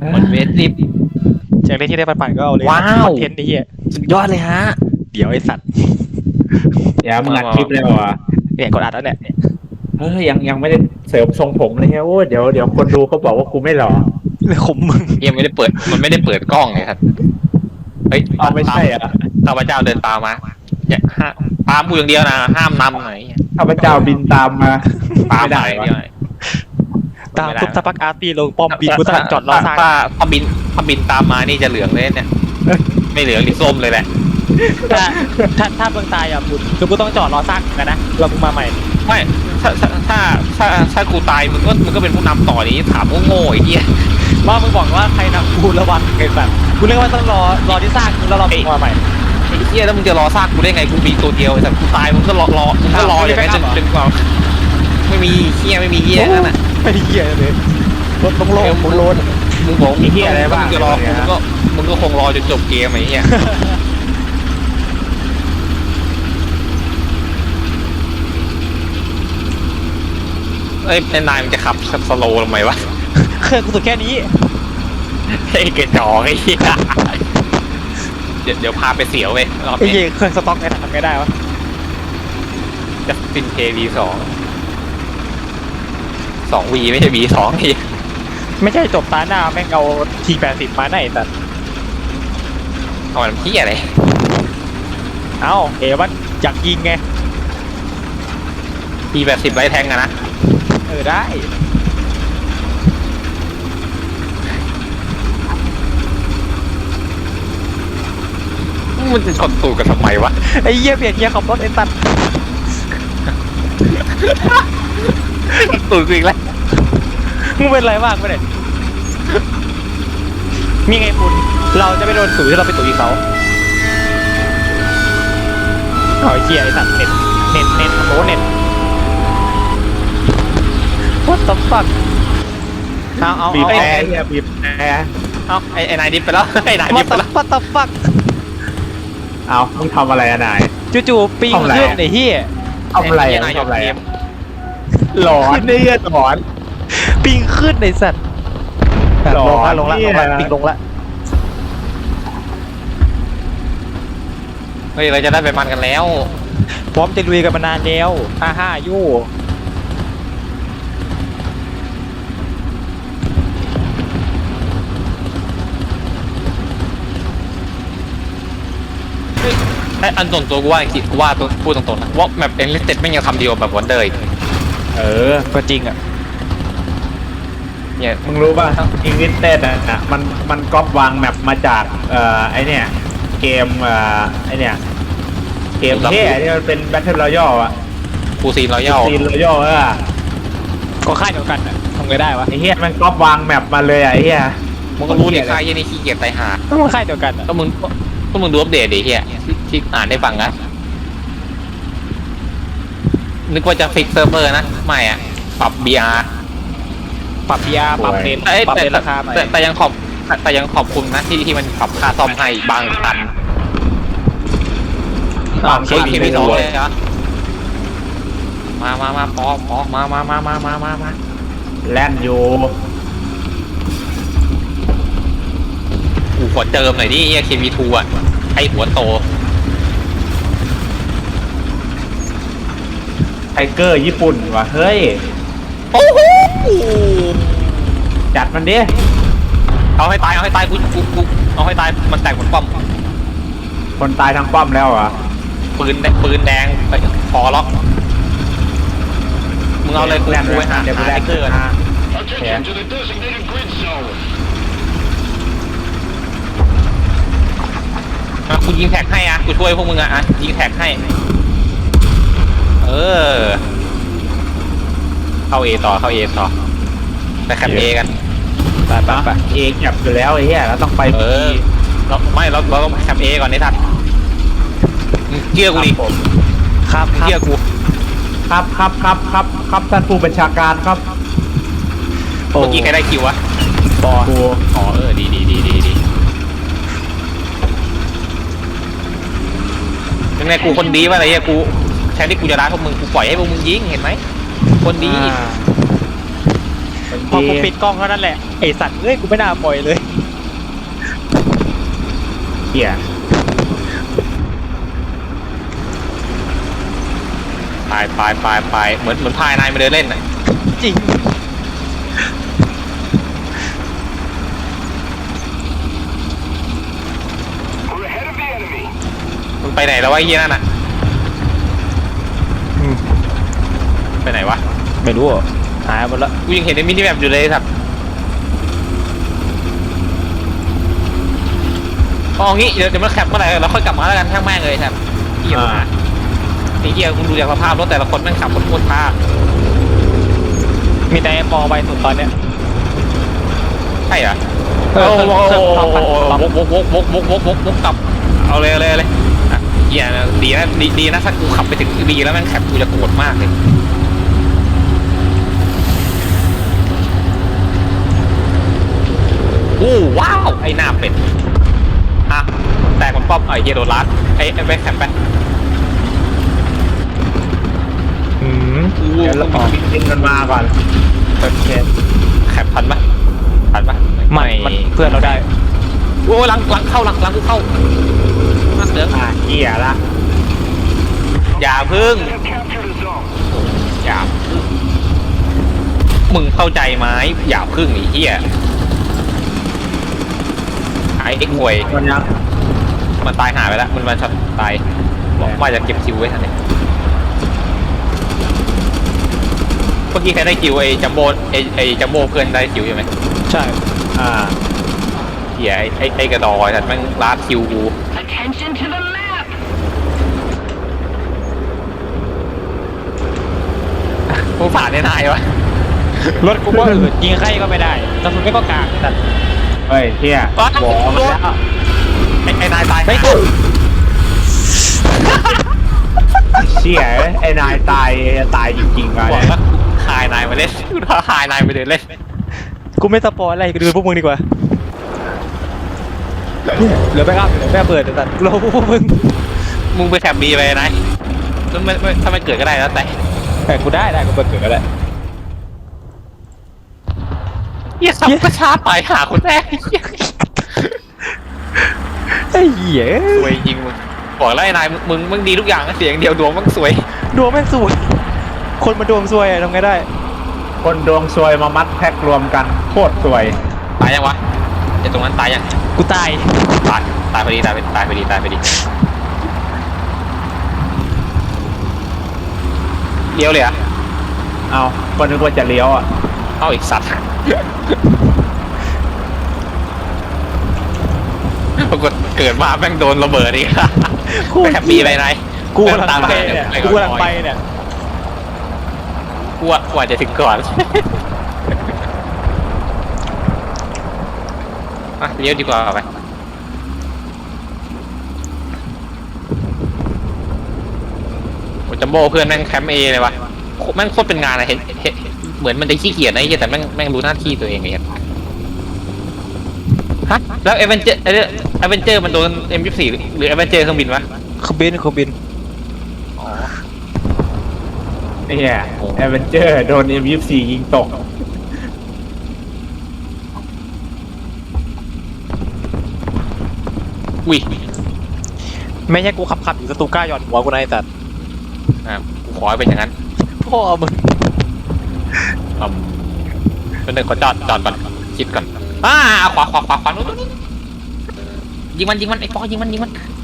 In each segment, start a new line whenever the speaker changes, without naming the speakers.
หมดเวทสิบ
จากเล่นที่ได้ปั่นๆก็เอาเลย
ว้าว
คอนเทนต์ไอ้เหี้ย
สุดยอดเลยฮะ
เดี๋ยวไอ้สัตว์
อย่ามึงอัดคลิปเลยว่ะ
เนี่ยกดอัดแล้วเนี่ย
เฮ้ยยังไม่ได้เสริมทรงผมเลยโอ้เดี๋ยวคนดูเขาบอกว่ากูไม่หล่อ
เลยขมมึง
ยังไม่ได้เปิดมันไม่ได้เปิดกล้องเลยครับเฮ้ย
เอาไม่ใช่อ่ะ
ข้าพเจ้าเดินตามมาอย่าตามกูอย่างเดียวนะห้ามนำหน่อย
ข้าพเจ้าบินตามมา
ตาม
ไม่ได้
ไป
วะ
เดียว
ตามทุบตะปักอาร์ตี้ลงป้อมบินกูต้องจอดรอสร้าง
ถ้าบินตามมานี่จะเหลืองเลยเนี่ยไม่เหลืองนี่ส้มเลยแหละ
ถ้าเมืองตายอ่ะบุญคือกูต้องจอดรอสร้างกันนะเรามึงมาใหม่
ไม่ถ้ากูตายมึงก็เป็นผู้นำต่อนี้ถามโง่ๆไอ้เหี้ย
ว่ามึงบอกว่าใครนำกูระวังไอ้สัตว์กูเรียกว่าต้องรอที่สร้างมึงแล้วเรามึงมาใหม่
ไอ้เหี้ยแล้วมึงจะรอซากกูได้ไงกูมีตัวเดียวแต่กูตายมึงก็รออย่างนั้นจนกว่าไม่มีเหี้ยนั่นน่ะ
ไม่เหี้ยเลยรถต้องโล่งโลน
มึงบอก
มีเหี้ยอะไรบ้าง
มึงจะรอมึงก็คงรอจนจบเกมไอ้เหี้ยเอ้ยนายมันจะขับสโลว์ทำไมวะ
เครื่องกูสุดแค่นี้
ไอ้กระจอกไอ้เหี้ยเดี๋ยวพาไปเสียวเว้ยรอบ
ไอ้
นี้
เหี้ยเครื่องสต็อกไงทำไงได้วะ
จะเป็น KV2 V ไม่ใช่ V2 นี่
ไม่ใช่จบตาหน้าแม่งเอาที80มาไหนสัตว์
เอามันเหี้ยอะไร
เอ้าเอ๋มันอยากยิงไง
T80 ไร้แทงอะนะ
ได้
มันจะชนตูดกันทำไมวะ
ไอ้เหี้ยเปลี่ยนเหี้ยขับรถไอ้สัตว์
ตูดกูอีกแล้ว
มึงเป็นไรบ้างไม่ได้มีไงคุณเราจะไม่โดนตุ๋ยถ้าเราไปตุ๋ยเขาเอาไอ้เหี้ยไอ้สัตว์เน็ตโน้เน็ต What the fuck เอา
บีบ
ไอ้
แอร์เนี่ยบีบแอร์
เอาไอ้นายดิฟไปแล้วไอ้นายดิฟไปแล้ว
What the fuck
เอามึงทำอะไรอะนาย
จู่ๆปิง
ทำอะไร
ขึ้นไอ้เหี้ย
ทำอะไรอะ
นาย
ทำอะไร
เก
อะ
ม
หลอนเนี่ยหลอน
ปิงขึ้นไอ้สัตว์
หรอ
ลงละ
เนี่ย
ปิงลงละ
เฮ้ยเราจะได้ไปมันกันแล้ว
พร้อมจะลุยกันมานานแล้ว55ยู่
ไอ้อันตรงตัวกูว่าจริงกูว่าตัวพูดตรงๆนะว่าแมปเอ็นลิสเต็ดไม่ยังทำดีกว่าแบบวันเดอร์อีก
เออ
ก็จริงอ่ะ
เนี่ย
มึงรู้ป่ะอิงลิสเต็ดอ่ะมันก๊อปวางแมปมาจากไอเนี่ยเกมไอเนี่ยเกมเท่ที่มันเป็น Battle Royale อ่ะ
ฟูซีนรอยัล
ซีน Royale
ก็ค่ายเดียวกันอ่ะทำไงได้วะ
ไอเฮียมันก๊อปวางแมปมาเลยอ่ะไอเฮีย
มึงก็รู้ดิค่ายยี่นี่ขี้เกียจตายหา
ต้องค่ายเดียวกันอ่ะ
ก็มึงดูอัปเดตดิเฮียที่อ่านได้ฟังนะนึกว่าจะฟิกเซิร์ฟเวอร์นะไม่อะปรับ BR
ปรับ PR ปรับเลน
เอ้ย
ปรับ
แต่
เลนราคาใหม่
แต่ยังขอบคุณนะที่มันปรับค่าซ่อมให้บางคัน
บาง
เค
คัน
เค
ไม่
ไม่
รู้
รู้เลยเหรอมาปอมา
แล่นอยู่
กูขอเจิมหน่อยดิเฮีย KV2 อ่ะไอหัวโต
ไทเกอร์ญี่ปุ่นว่ะเฮ้ย
โอ้โห
จัดมันดิ
เอาให้ตายกูเอาให้ตายมันแตกเหมือนป้อม
คนตายทางป้อมแล้วเหรอ่ะ
ปืนแดงไปพอล็อกมึงเอาเลยกูไปหา
เดี๋ยวกู
ไท
แล่น
เกอร์
นะ
Attention to the designated grid zone.
กูยิงแท็กให้อ่ะกูช่วยพวกมึงอ่ะยิงแท็กให้เข้าเอต่อไปแคปเอกัน
ไปเองจับอยู่แล้วไอ้เหี้ยเราต้องไป
เราต้องแคปเอก่อนไอ้ทัดมึงเชื่อกูดิ
ผม
ครับ
มึงเชื่อกู
ครับท่านผู้บัญชาการครับ
เมื่อกี้ใครได้คิววะ
บอกู
อ๋อดียังไงกูคนดีวะอะไรเงี้ยกูแทนที่กูจะรักพวกมึงกูปล่อยให้พวกมึงยิงเห็นไหมคนดี
คน
พอกูปิดกล้องเท่านั้นแหละไอสัตว์เอ้ยกูไม่น่าปล่อยเลย
เหี้ย
ไปเหมือนพายนายมาเดินเล่นน่ะ
จริง
We're ahead of the enemy.
มันไปไหนแล้ววะไอ้เหี้ยนั่นน่ะไปไหนวะ
ไม่รู้อ่ะหายหมดละ
กูยังเห็นในมินิแมปอยู่เลยสัตว์เอางี้เดี๋ยวมันแคปเมื่อไหร่เราค่อยกลับมาแล้วกันช่างแม่งเลยครับเหี้ยมาไอ้เหี้ยคุณดูจากสภาพรถแต่ละคนแม่งขับรถโคตรช้า
มีแต่มองไปสุดตอนเนี้ย
ใช่เหรอ
เออ
วกกลับเอาเลยอ่ะเหี้ยดีนะถ้ากูขับไปถึงบีแล้วแม่งแคปกูจะโกรธมากเลยโอ้ว้าวไอ้หน้าเป็ดอ่ะแต่มันป้อมไอ้เหี้ยโดนลัดไอ้แบ็คแคปไป
เดี๋ยวเราบินกันมาก่อนโอเค
แคปทันปะ
มันเพื่อนเราได้
โอ้หลังกูเข้ามาเสือ
เหี้ยละ
อย่าพึ่ง
We have captured a zone.
อย่ามึงเข้าใจไหมอย่าพึ่งไอ้เหี้ยไอ้ห่วย
มันยัง
มันตายหายไปแล้วมันช็อตตายบอกว่าจะเก็บคิวไว้ทันเนี่ยเมื่อกี้ใครได้คิวไอ้จัมโบ้ไอ้จัมโบ้เพื่อนได้คิวใช่ไหม
ใช่
เหี้ยไอ้กระดอยแต่แม่งลาดคิวกู
Attention to the map.
กูผ่านได้นายวะ
รถกูก็ยิงใครก็ไม่ได้กระสุนไม่ก็กลางแต่
เฮ้ยเหี้ยบอกมันแล้ว
ไอ้นายตาย
ไม่ถูก
เชี่ยไอ้นายตายจริงๆ
บอก
เลย
ว่าหายนายมาเล่นหายนายไปเดินเล่น
กูไม่สปอยอะไรกูดูพวกมึงดีกว่าเหลือแบ็กอัพเหลือแม่เปิดแต่เราพวกมึง
ไปแถบบีไปนายถ้าไม่เกิดก็ได้แล้วแต่
กูได้กูเปิดเกิดแล้วแหละ
เหี้ยสับกระชาตายหาคนแรก
ไอ้เหี้ย
สวยจริงมึงบอกแล้วไอ้นายมึงดีทุกอย่างเสียงเดียวดวงมึงสวย
ดวงแม่งสวยคนมาดวงซวยทำไงได้
คนดวงซวยมามัดแพ็กรวมกันโคตรซวย
ตายยังวะไอ้ตรงนั้นตายยัง
กูตาย
ตายพอดีเลี้ยวเลยอ่ะ
เอาก็นึกว่าจะเลี้ยวอ่ะ
เอาอีกสัตว์ปรากฏเกิดมาแม่งโดนระเบิดอีกไปแถบบีไปนาย
กูกำลังไปเนี่ยกูกำลังไปเนี่ย
กว่าจะถึงก่อนเลี้ยวดีกว่าไปโอ้จัมโบ้เพื่อนแม่งแคมป์เอเลยวะแม่งโคตรเป็นงานอะเห็นเหมือนมันจะขี้เกียจนะไอ้เหี้ยแต่แม่งรู้หน้าที่ตัวเองเลยฮะแล้วเอเวนเจอร์มันโดน M24 หรือเอเวนเจอร์เครื่องบินวะ
เครื่องบิน
อ๋อ
เนี่ยแอเวนเจอร์โดน M24 ยิงตก
อุ้ย
ไม่ใช่กูขับอยู่สตูก้าหย่อนหัวกูนายสัตว์
กูขอให้เป็นอย่างนั้น
พ่อมึง
เป็นหนึ่งขอจอดก่อนคิดก่อนขวานู้นยิงมันไอ้ปอยิงมัน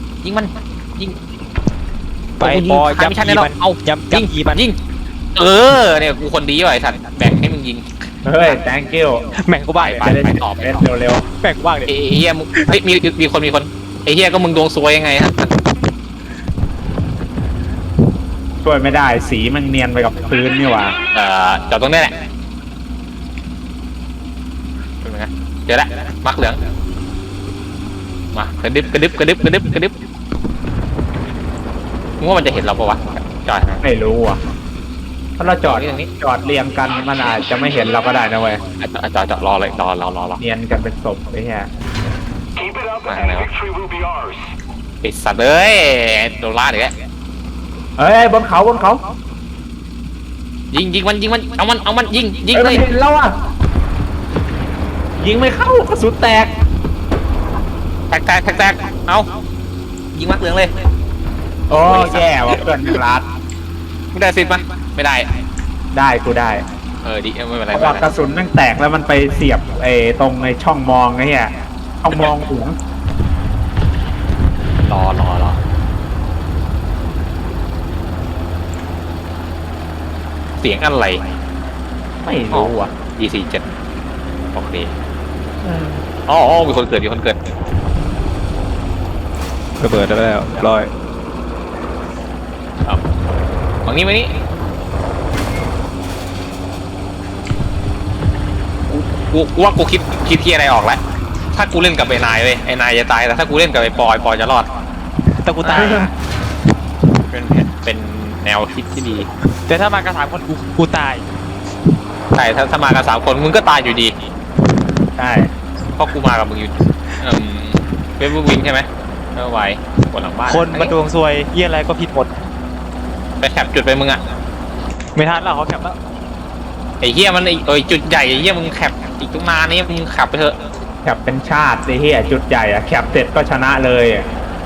ไปปอยับ
ไม่ใช่แล้วเอา
ยับยีมัน
ยิงเนี่ยกูคนดีว่ะไอ้สัตว์แบ่งให้มึงยิง
เฮ้ย thank you
แม่งกูบ้า
จะได้ตอบเร็ว
แม่งกูบ้าเลย
ไอ้เฮียมึงเฮ้ยมีคนไอ้เฮียก็มึงดวงซวยยังไงฮะ
ๆช่วยไม่ได้สีมันเนียนไปกับพื้นนี่หว่า
จอดตรงนี้แหละเป็นไงเดี๋ยวละมักเหลืองมากระดึบมึงว่ามันจะเห็นเราปะวะจอด
ไม่รู้อ่ะถ้าเราจอด
ตรงนี้
จอดเรียงกันมันอาจจะไม่เห็นเราก็ได้นะเว้ย
จอดรอเลยรอ
เนียนกันเป็นศพไอ้เหี้ย
Keep it up, and victory will be ours.
ปิดสัตว์เลยโดนล่าเดี๋ยว
เฮ้ยบนเขา
ยิงมันเอามันยิง
เฮ้ย
เล
มัน
ย
เห็นแล้วอ่ะยิงไม่เข้ากระสุนแตก
แตกเอายิงมักเหลืองเลย
โอ้แย่ว่ะเพื่อนรัด
มึงได้สิปะไม่ได้
ได้กูได้
ดิไม่เป็นไร
เพราะว่ากระสุนแม่งแตกแล้วมันไปเสียบตรงช่องมองไอ้เหี้ยช่องมองหัว
รอเสียงอะไร
ไม่รู้อ่ะ
E47 โอเคอ๋อมีคนเกิด
ระเบิดได้แล้วร้อย
ครับฝั่งนี้มานี่กูว่ากูคิดที่อะไรออกแล้วถ้ากูเล่นกับไอ้นายเลยไอ้นายจะตายแต่ถ้ากูเล่นกับไอ้ปอยจะรอด
แต่กูตาย
เป็นแนวคิดที่ดี
แต่ถ้ามากัน3 คนกูตาย
ใช่ถ้ามากัน3 คนมึงก็ตายอยู่ดี
ใช่
เพราะกูมากับมึงอยู่เป็นวิงใช่ไหมไม่ไหวคนหลังบ้าน
คนมาดวงซวยเยี่ยอะไรก็ผิดหมด
ไปแคปจุดไปมึงอะ
ไม่ทันแล้วเขาแคปแล้ว
ไอ้เหี้ยมันจุดใหญ่ไอ้เหี้ยมึงแคปอีกตั้งนานนี่มึงขับไปเถอะ
แคปเป็นชาติไอ้เหี้ยจุดใหญ่อะแคปเสร็จก็ชนะเลยอะ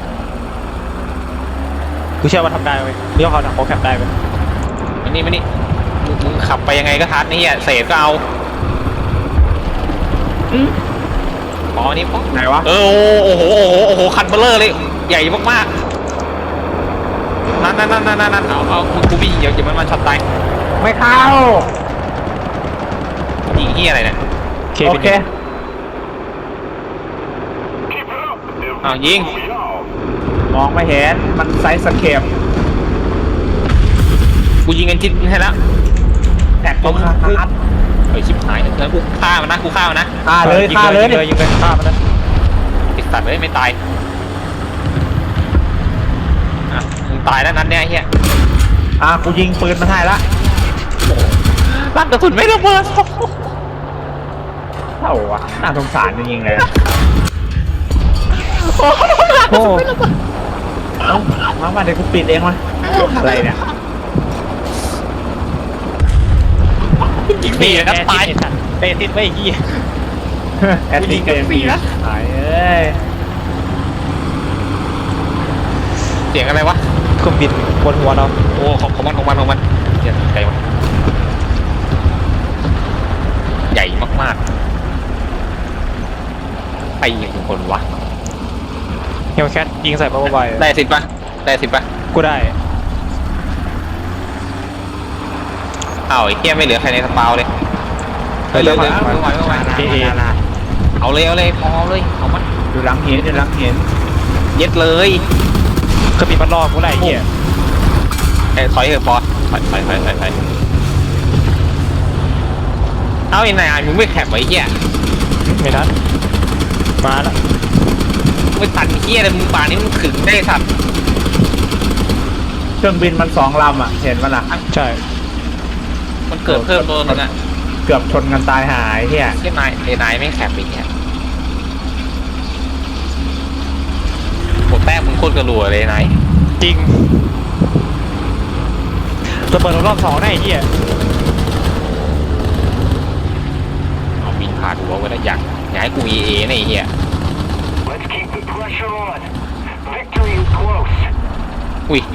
กูเชื่อว่าทำได้เว้ยเรื่องเขาเขาแคปได้เว้ย
มานี่มึงขับไปยังไงก็ทันนี่เศษก็เอาพอนี่พอ
ไหนวะ
โอ้โหคันเบลเลอร์เลยใหญ่มากๆนั่นเอากูวิ่งเดี๋ยวมันช็อตตาย
ไม่เข้า
ยิงเหี้ยอะไรเนี่ย
โอเค
Keep it up.
อ้าวยิง
We all.
มองไม่เห็นมันไซส์สเคป
กูยิงกันจิตให้แล้ว
แตกตรงขาด
เฮ้ยชิบหายแล้วกูฆ่ามันนะ
ฆ่าเลย
ยิง
ฆ่าเลย
ยิงเลยฆ่ามันนะ
ติดสัตว์เลยไม่ตายอ่ะมึงตายแล้วนัดเนี้ยไอ้เฮีย
กูยิงปืนมาให้ละ
ลั่นกระสุนไม่ระเบิด
เท่าวะน่าสงสารจริงๆเลย
โอ้
มาเดี๋ยวกูปิดเองวะอะไรเนี่ย
นี่นะตาย
เตะติดไว้ยี่
แอดมินเกมฟรีนะหายเอ้ย
เสียงอะไรวะ
เครื่องบินบนหัวเรา
โอ้ของมันเหี้ยใหญ่มากใหญ่มากๆไปยิงคนวะ
เฮลแคทยิงใส่เบาๆ
ได้สิบปะ
กูได้
อ้าวไอ้เฮียไม่เหลือใครในสปาวเลยไม่ไหว
เอ
เอาเลยพอเลยเอามัน
อยู่หลังหิน
เย็ดเลย
เครื่องบินมันรอกูได้เหี้ย
ถอยเถอะพอถอยเอาไอ้นายมึงไม่แคบไว้เฮีย
ไม่ทันมาแล้ว
ไม่ตันเฮียเลยมึงป่านี้มึงขึงได้สัตว์
เครื่องบินมัน2 ลำอ่ะเห็นปะล่ะ
ใช่
มันเกิดเพิ่มตัวนึงอ่ะ
เกือบชนกันตายหายเฮีย
เฮียนายไม่แคบไปเฮียโหแป้งมึงโคตรกระรัวเลยนาย
จริงระเบิดรอบ2ได้เหี้ย
เอาบินผ่านหัวไว้แล้วอยากให้กู EA นะไอ้เฮีย
Let's keep the pressure on. Victory is close.
อุ้ย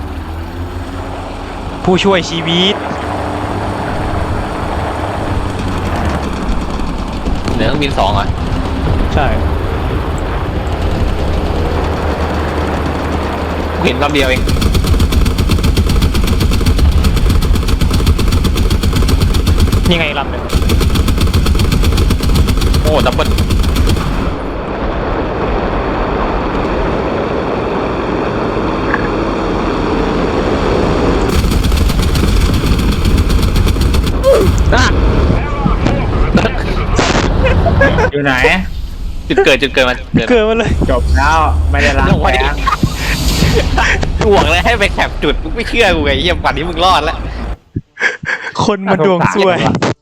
ผู้ช่วยชีวิต
เหนือเครื่องบิน2อ่ะ
ใช่
กูเห็นลำเดียวเอง
นี่ไงลำหนึ่ง
โอ้ดับเบิ้ล
อยู่ไหน
จุดเกิดมัน
เกิดมาเลย
จบแล้วไม่ได้ล้างแผง
กูบอกเลยให้ไปแคปจุดมึงไม่เชื่อกูไงเฮียป่านนี้มึงรอดแล้ว
คนมาดวงซวย
น่าสงสารว่ะ